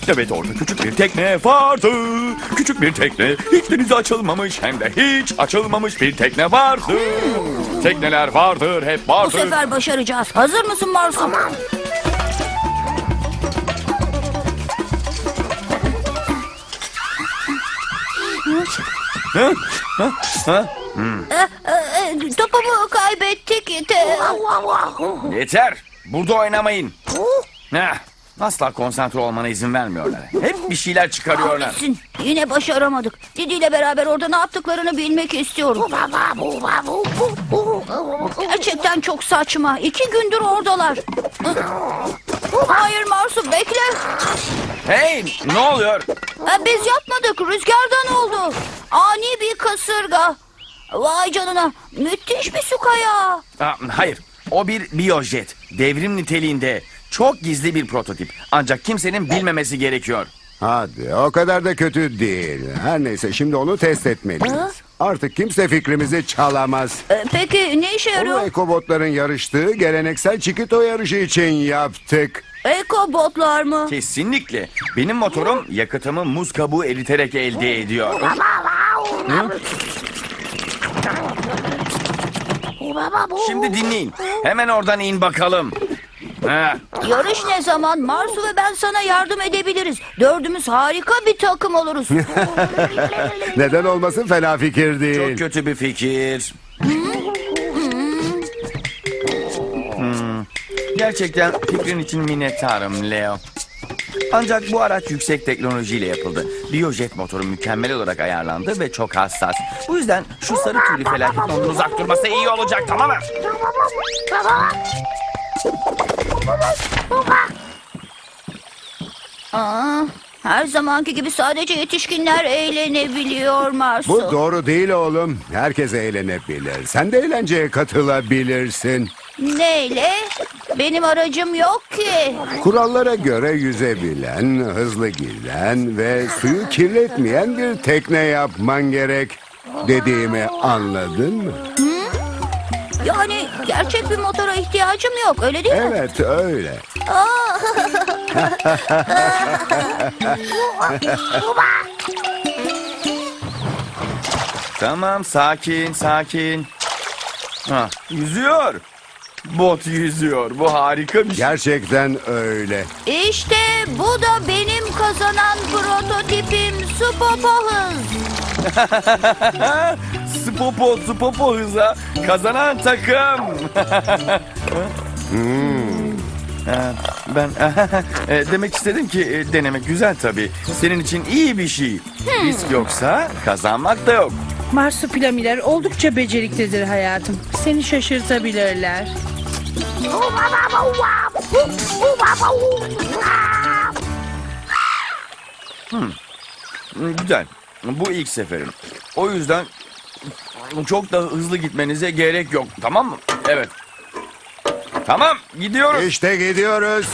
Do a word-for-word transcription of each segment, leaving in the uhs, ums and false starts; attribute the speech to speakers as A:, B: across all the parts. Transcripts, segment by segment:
A: Evet, orada küçük bir tekne vardı. Küçük bir tekne, hiç denize açılmamış hem de hiç açılmamış bir tekne vardı. Tekneler vardır, hep
B: Bu
A: vardır.
B: sefer başaracağız. Hazır mısın Marsu? Tamam.
A: Ha? Ha? Ha?
B: Topumu kaybettik.
A: Yeter, burada oynamayın. Heh, asla konsantre olmana izin vermiyorlar. Hep bir şeyler çıkarıyorlar.
B: Kahretsin. Yine başaramadık. Didi ile beraber orada ne yaptıklarını bilmek istiyorum. Gerçekten çok saçma. İki gündür oradalar. Hayır Marsu, bekle.
A: Hey, ne oluyor?
B: Biz yapmadık. Rüzgardan oldu. Ani bir kasırga. Vay canına. Müthiş bir su kayağı.
A: Aa, hayır, o bir biyojet. Devrim niteliğinde. Çok gizli bir prototip. Ancak kimsenin bilmemesi gerekiyor.
C: Hadi, o kadar da kötü değil. Her neyse, şimdi onu test etmeliyiz. Artık kimse fikrimizi çalamaz.
B: Ee, Peki ne işe
C: Onu
B: yarıyor?
C: ekobotların yarıştığı geleneksel çikito yarışı için yaptık.
B: Ekobotlar mı?
A: Kesinlikle. Benim motorum yakıtımı muz kabuğu eriterek elde ediyor. Hı? Şimdi dinleyin. Hemen oradan in bakalım. Ha.
B: Yarış ne zaman? Marsu ve ben sana yardım edebiliriz. Dördümüz harika bir takım oluruz.
C: Neden olmasın, fena fikir değil.
A: Çok kötü bir fikir. Hmm. Gerçekten fikrin için minnettarım Leo. Ancak bu araç yüksek teknolojiyle yapıldı. Biyojet motoru mükemmel olarak ayarlandı ve çok hassas. Bu yüzden şu sarı tüylü felaketin ondan uzak durması iyi olacak, tamam mı?
B: Aa, her zamanki gibi sadece yetişkinler eğlenebiliyor Marsu.
C: Bu doğru değil oğlum. Herkes eğlenebilir. Sen de eğlenceye katılabilirsin.
B: Neyle? Benim aracım yok ki.
C: Kurallara göre yüzebilen, hızlı giden ve suyu kirletmeyen bir tekne yapman gerek. Dediğimi anladın mı?
B: Yani gerçek bir motora ihtiyacım yok, öyle değil mi?
C: Evet, öyle.
A: Tamam, sakin, sakin. Ha, yüzüyor. Bot yüzüyor. Bu harika bir şey.
C: Gerçekten öyle.
B: İşte bu da benim kazanan prototipim Spopo Hız.
A: Spopo, Spopo hıza kazanan takım.
C: Hmm.
A: Ha, Ben e, demek istedim ki e, denemek güzel tabii. Senin için iyi bir şey. Risk yoksa kazanmak da yok.
D: Marsupilamiler oldukça beceriklidir hayatım. Seni şaşırtabilirler.
A: Hmm, Güzel. Bu ilk seferim. O yüzden çok da hızlı gitmenize gerek yok. Tamam mı? Evet. Tamam, gidiyoruz.
C: İşte gidiyoruz.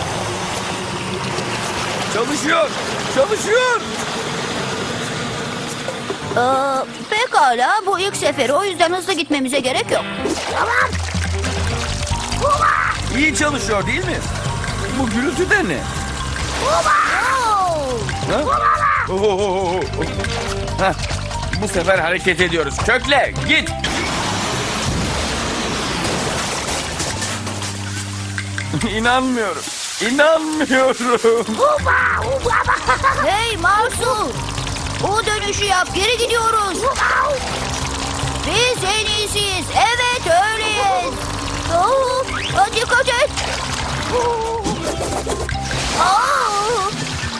A: Çalışıyor. Çalışıyor.
B: Ee, pekala, bu ilk seferi, o yüzden hızlı gitmemize gerek yok.
A: İyi çalışıyor değil mi? Bu gürültü de ne? Ha? Ohohoho. Hah, Bu sefer hareket ediyoruz. Kökle, git. İnanmıyorum. İnanmıyorum.
B: Hey Marsu! O dönüşü yap, geri gidiyoruz. Biz en iyisiyiz, evet öyleyiz. Oo, hadi dikkat et. Aa!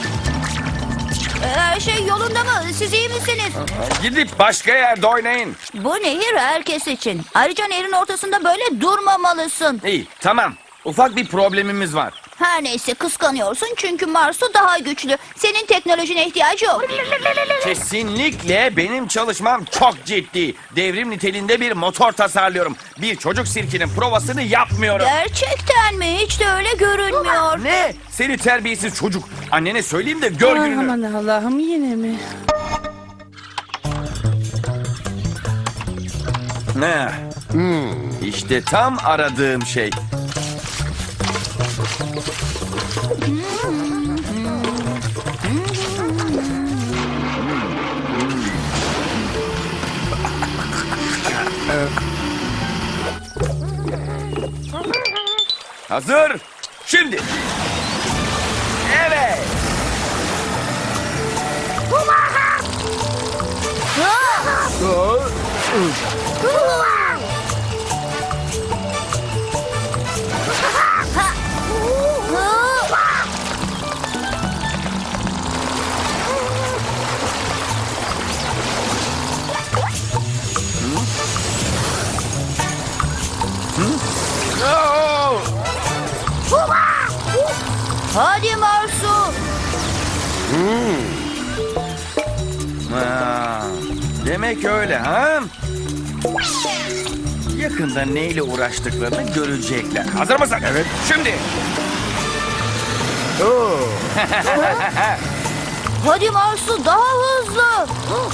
B: Her şey yolunda mı? Siz iyi misiniz?
A: Gidip başka yerde oynayın.
B: Bu nehir herkes için. Ayrıca nehrin ortasında böyle durmamalısın.
A: İyi, tamam. Ufak bir problemimiz var.
B: Her neyse, kıskanıyorsun çünkü Marsu daha güçlü. Senin teknolojine ihtiyacı yok.
A: Kesinlikle benim çalışmam çok ciddi. Devrim niteliğinde bir motor tasarlıyorum. Bir çocuk sirkinin provasını yapmıyorum.
B: Gerçekten mi? Hiç de öyle görünmüyor.
A: Ne? Seni terbiyesiz çocuk. Annene söyleyeyim de gör
D: Ay,
A: gününü.
D: aman Allah'ım, yine mi?
A: Ne? İşte tam aradığım şey. Hazır. Şimdi. Evet. Oo!
B: Hadi Marsu.
A: Ha, demek öyle ha? Yakında neyle uğraştıklarını görecekler. Hazır mısın? Evet. Şimdi.
B: Hadi Marsu, daha hızlı.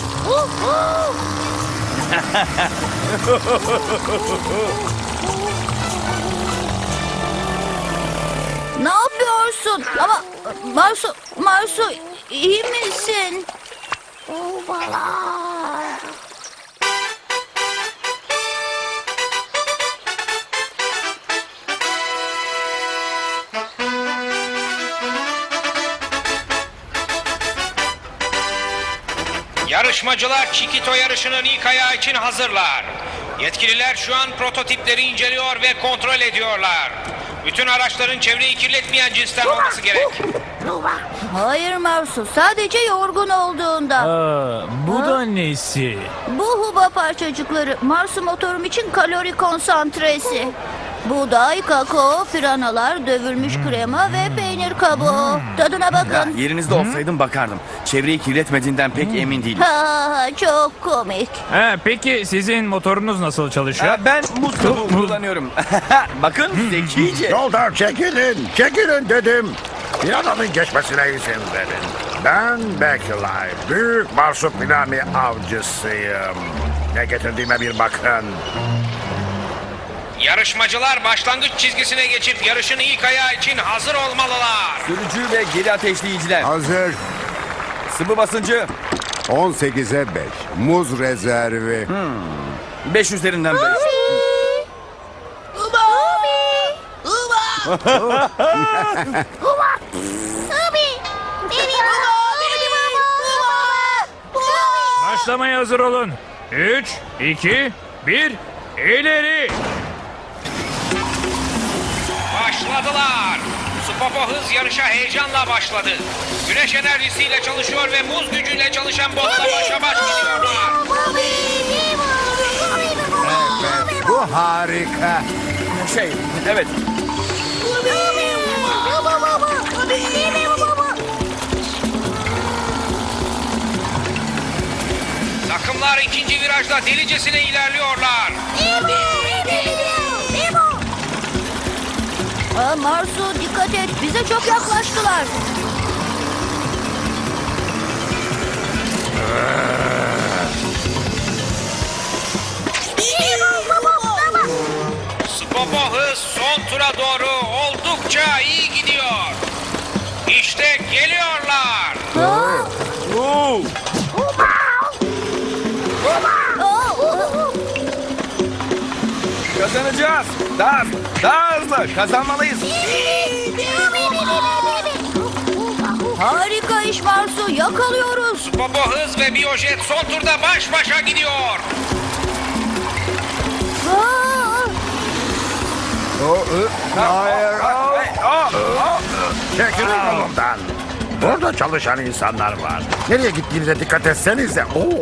B: Ne yapıyorsun? Ama Marsu, Marsu iyi misin?
E: Yarışmacılar Chiquito yarışının ilk ayağı için hazırlar. Yetkililer şu an prototipleri inceliyor ve kontrol ediyorlar. Bütün araçların çevreyi kirletmeyen cinsten olması gerek.
B: Hayır Marsu, sadece yorgun olduğunda.
F: Aa, bu
B: Ha?
F: da nesi?
B: Bu huba parçacıkları Marsu motorum için kalori konsantresi. Buğday, kakao, piranalar, dövülmüş krema ve peynir kabuğu. Tadına
A: Ya,
B: bakın.
A: yerinizde olsaydım bakardım. Çevreyi kirletmediğinden pek emin değilim.
B: Ha, çok komik.
F: Ha, peki sizin motorunuz nasıl çalışıyor?
A: Ha, ben muz kabuğu kullanıyorum. Bakın zekice.
G: Yoldan çekilin, çekilin dedim. Bir adamın geçmesine izin verin. Ben Bekilay, büyük marsupilami avcısıyım. Ne getirdiğime bir bakın.
E: Yarışmacılar başlangıç çizgisine geçip yarışın ilk ayağı için hazır olmalılar.
A: Sürücü ve geri ateşleyiciler.
C: Hazır.
A: Sıvı basıncı
C: on sekize beş. Muz rezervi.
A: beş üzerinden beş.
F: Başlamaya hazır olun. üç, iki, bir, ileri.
E: Başladılar. Supopo hız yarışa heyecanla başladı. Güneş enerjisiyle çalışıyor ve muz gücüyle çalışan botla başa baş gidiyorlar.
C: Bu harika.
A: Şey, evet.
E: Takımlar ikinci virajda delicesine ilerliyorlar.
B: Aa, Marsu dikkat et, bize çok yaklaştılar.
E: Supopo hız son tura doğru oldukça iyi gidiyor. İşte geliyorlar.
A: Oo. Kazanacağız. Daha, daha hızlı. Kazanmalıyız.
B: Harika iş Marsu, yakalıyoruz.
E: Supopo hız ve Biyojet son turda baş başa gidiyor.
B: Aa,
C: O, ı, hayır.
A: Aa, aa.
G: Çekilin yolumdan. Burada çalışan insanlar var. Nereye gittiğinize dikkat etsenize. Oo.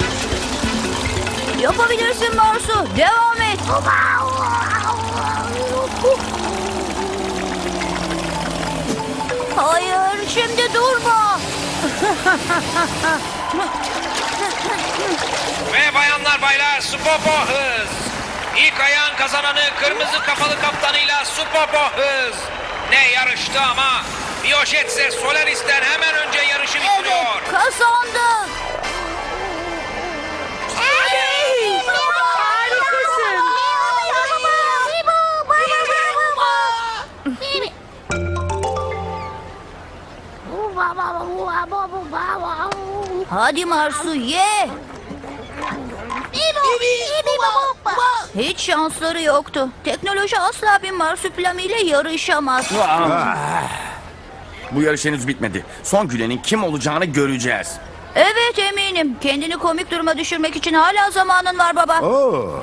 B: yapabilirsin Marsu, devam et. Hayır, şimdi durma.
E: Ve bayanlar baylar Supopo hız. İlk ayağın kazananı kırmızı kafalı kaptanıyla Supopo hız. Ne yarıştı ama Biyojet ise Solaris'ten hemen önce yarışı bitiriyor.
B: Evet, kazandık.
D: Harikasın.
B: Hadi Marsu ye. Hiç şansları yoktu. Teknoloji asla bir marsupilami ile yarışamaz.
A: Bu yarış henüz bitmedi. Son gülenin kim olacağını göreceğiz.
B: Evet eminim. Kendini komik duruma düşürmek için hala zamanın var baba.
C: Oo.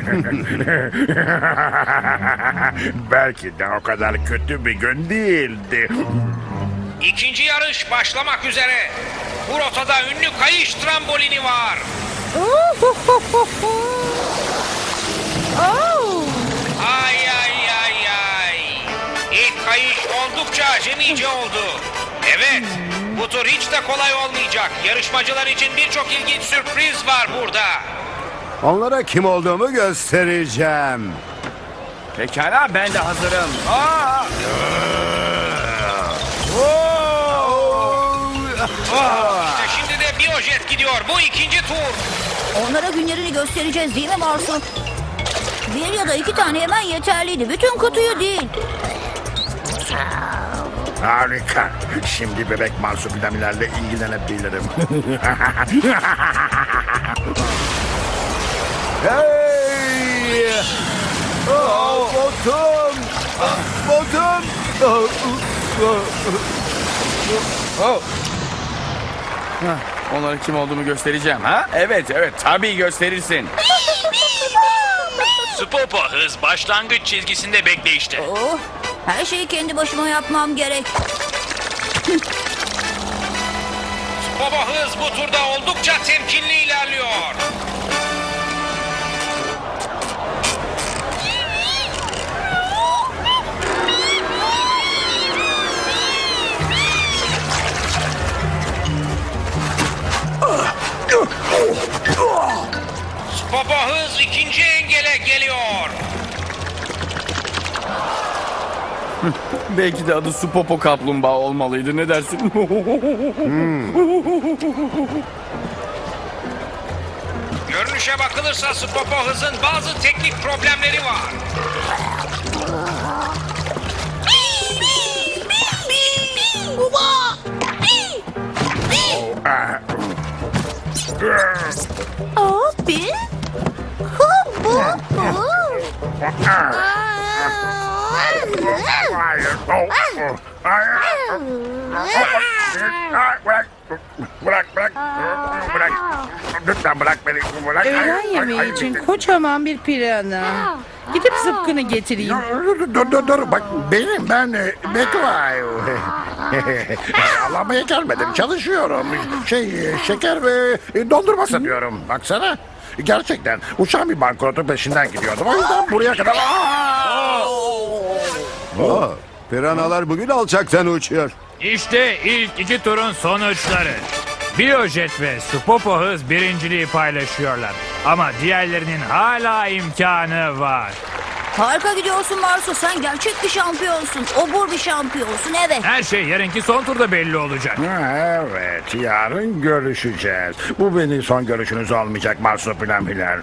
G: Belki de o kadar kötü bir gün değildi.
E: İkinci yarış başlamak üzere. Bu rotada ünlü kayış trambolini var. Ay ay ay ay. İlk kayış oldukça acemice oldu. Evet, bu tur hiç de kolay olmayacak. Yarışmacılar için birçok ilginç sürpriz var burada.
C: Onlara kim olduğumu göstereceğim.
A: Pekala, ben de hazırım. Aa! Oo!
E: İşte şimdi de Biyojet gidiyor. Bu ikinci tur.
B: Onlara günlerini göstereceğiz değil mi Marsu? Bir ya da iki tane hemen yeterliydi. Bütün kutuyu değil.
G: Harika. Şimdi bebek marsupilamilerle ilgilenebilirim.
C: Hey! Oh, botum! Botum!
A: Oh. Hah, onlara kim olduğumu göstereceğim ha? Evet evet tabii gösterirsin.
F: Supopo hız başlangıç çizgisinde bekle işte.
B: Oh, her şeyi kendi başıma yapmam gerek.
E: Baba hız bu turda oldukça temkinli ilerliyor. Baba hız ikinci engele geliyor.
A: Belki de adı Supopo kaplumbağa olmalıydı, ne dersin?
E: Görünüşe bakılırsa Spopo hızın bazı teknik problemleri var.
B: Oh, bir. Hu, bu, bu.
G: Hayır. Oh, oh. Hayır. Bırak. Bırak, bırak. Bırak. Lütfen bırak beni. Bırak.
D: Öğlen yemeği için kocaman bir pirana. Gidip zıpkını getireyim.
G: Dur, dur, dur, dur. Bak benim, ben e, Bekray. Alamaya gelmedim, çalışıyorum. Şey, e, şeker ve e, dondurma satıyorum. Baksana. Gerçekten uçan bir bankrotun peşinden gidiyordum. O yüzden buraya kadar... Aa!
C: Oh, piranalar bugün alçaktan uçuyor.
F: İşte ilk iki turun sonuçları. Biyojet ve Supopo hız birinciliği paylaşıyorlar. Ama diğerlerinin hala imkanı var.
B: Harika gidiyorsun Marsu. Sen gerçek bir şampiyonsun. Obur bir şampiyonsun, evet.
F: Her şey yarınki son turda belli olacak.
G: Ha, evet, yarın görüşeceğiz. Bu benim son görüşünüz olmayacak marsupilamiler.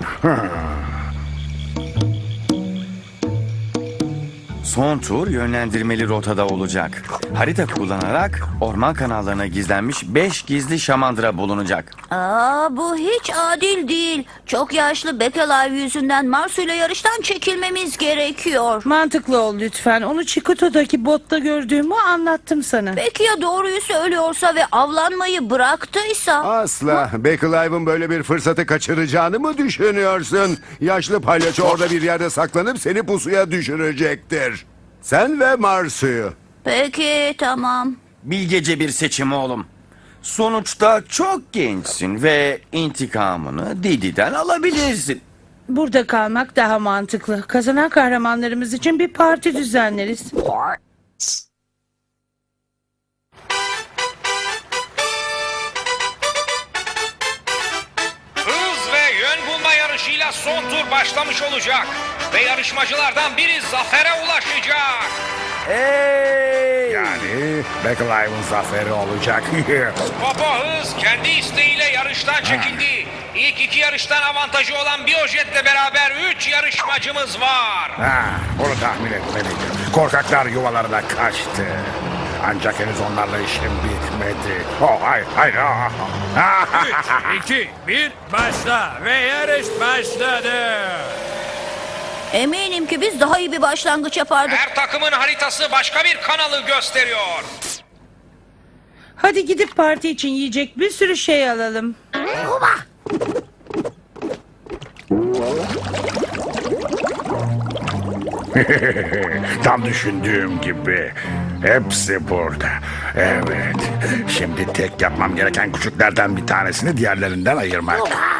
A: Son tur yönlendirmeli rotada olacak. Harita kullanarak orman kanallarına gizlenmiş beş gizli şamandıra bulunacak.
B: Aa, bu hiç adil değil. Çok yaşlı Bekalive yüzünden Marsu ile yarıştan çekilmemiz gerekiyor.
D: Mantıklı ol lütfen. Onu Çikuto'daki botta gördüğümü anlattım sana.
B: Peki ya doğruyu söylüyorsa ve avlanmayı bıraktıysa?
C: Asla. Bekalive'ın böyle bir fırsatı kaçıracağını mı düşünüyorsun? Yaşlı palyaço orada bir yerde saklanıp seni pusuya düşürecektir. Sen ve Marsu'yu.
B: Peki tamam.
A: Bilgece bir seçim oğlum. Sonuçta çok gençsin ve intikamını Didi'den alabilirsin.
D: Burada kalmak daha mantıklı. Kazanan kahramanlarımız için bir parti düzenleriz.
E: Hız ve yön bulma yarışıyla son tur başlamış olacak. Ve yarışmacılardan biri zafere ulaşacak.
A: Hey!
G: Yani Bekalive'ın zaferi olacak.
E: Popo hız kendi isteğiyle yarıştan çekildi. İlk iki yarıştan avantajı olan Biyojet'le beraber üç yarışmacımız var.
G: Ha, bunu tahmin etmeliydim. Korkaklar yuvalarına kaçtı. Ancak henüz onlarla işim bitmedi. Oh, hayır, hayır. ah.
F: üç, iki, bir, başla ve yarış başladı.
B: Eminim ki biz daha iyi bir başlangıç yapardık.
E: Her takımın haritası başka bir kanalı gösteriyor.
D: Hadi gidip parti için yiyecek bir sürü şey alalım.
G: Tam düşündüğüm gibi. Hepsi burada. Evet. Şimdi tek yapmam gereken küçüklerden bir tanesini diğerlerinden ayırmak.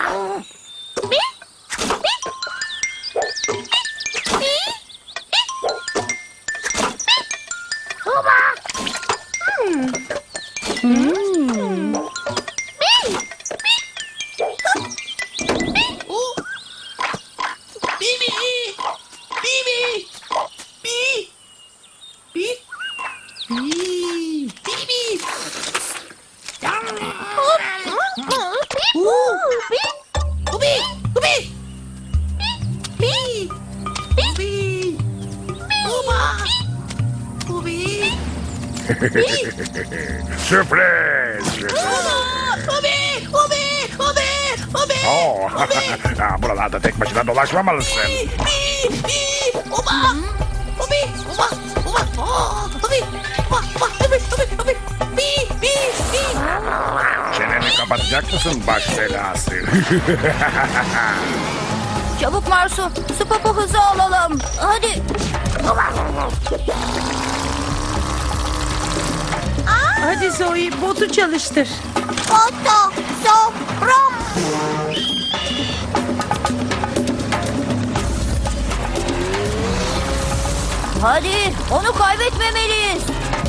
G: Sürpriz! Oh, ha, buralarda tek başına dolaşmamalısın. Çeneni kapatacak mısın baş belası?
B: Çabuk Marsu, Spopo hızı alalım. Hadi.
D: Hadi Zoe botu çalıştır.
B: Otto, sofram. Hadi, onu kaybetmemeliyiz.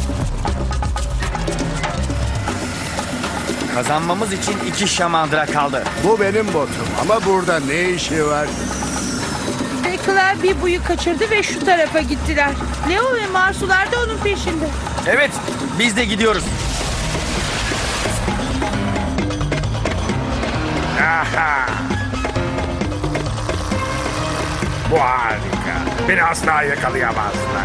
A: Kazanmamız için iki şamandıra kaldı.
C: Bu benim botum ama burada ne işi var?
D: Bekler bir buyu kaçırdı ve şu tarafa gittiler. Leo ve Marsular da onun peşinde.
A: Evet, biz de gidiyoruz.
G: Aha! Bu harika. Beni asla yakalayamazlar.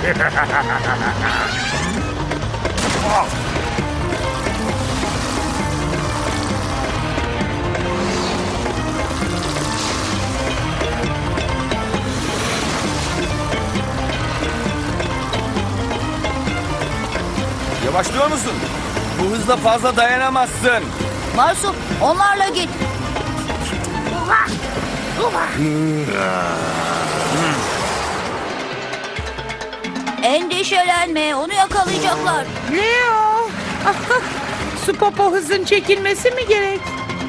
G: Oh!
A: Yavaşlıyor musun? Bu hızla fazla dayanamazsın.
B: Marsu, onlarla git. Endişelenme, onu yakalayacaklar.
D: Leo! Spopo hızın çekilmesi mi gerek?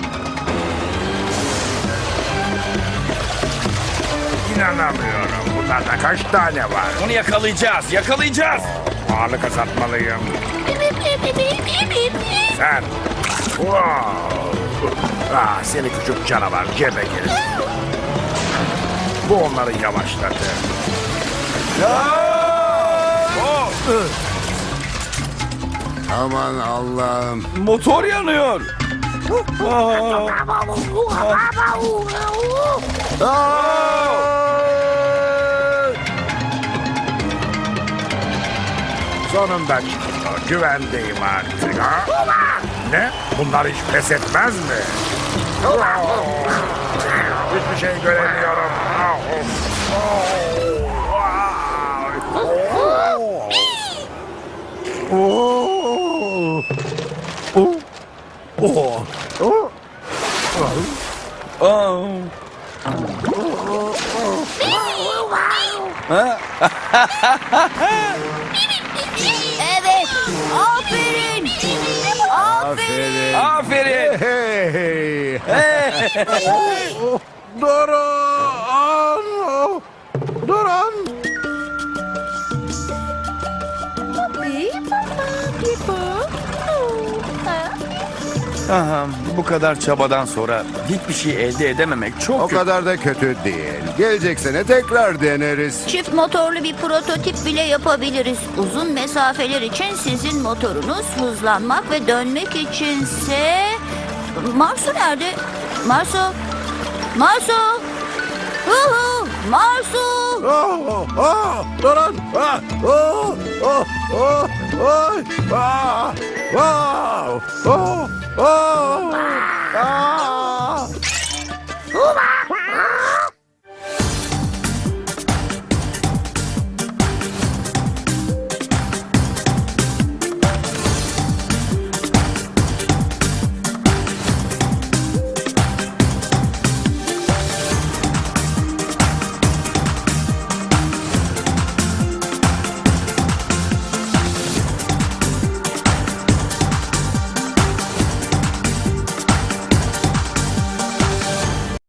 G: İnanamıyorum. Bunlarda kaç tane var?
A: Onu yakalayacağız, yakalayacağız.
G: Ağırlık azaltmalıyım. Sen. Wow. Ah, seni küçük canavar cebe gir. Bu onları yavaşladı.
C: Aman Allah'ım.
A: Motor yanıyor.
G: Sonunda çıktı. Güvendeyim artık. Ha? Ne? Bunlar hiç pes etmez mi? Hiçbir şey göremiyorum.
B: Evet, aferin. Aferin.
C: Aferin.
A: Aferin.
C: Hey, hey. Durun. Durun.
A: Aha, bu kadar çabadan sonra hiçbir şey elde edememek çok
C: O
A: kötü.
C: kadar da kötü değil. Gelecek sene tekrar deneriz.
B: Çift motorlu bir prototip bile yapabiliriz. Uzun mesafeler için sizin motorunuz, hızlanmak ve dönmek içinse... Marsu nerede? Marsu? Marsu? Hu hu! Marsu!
C: Oh, oh, durun. Ah, oh, oh, oh, Oy! Aa! Wow! Oh! Oh!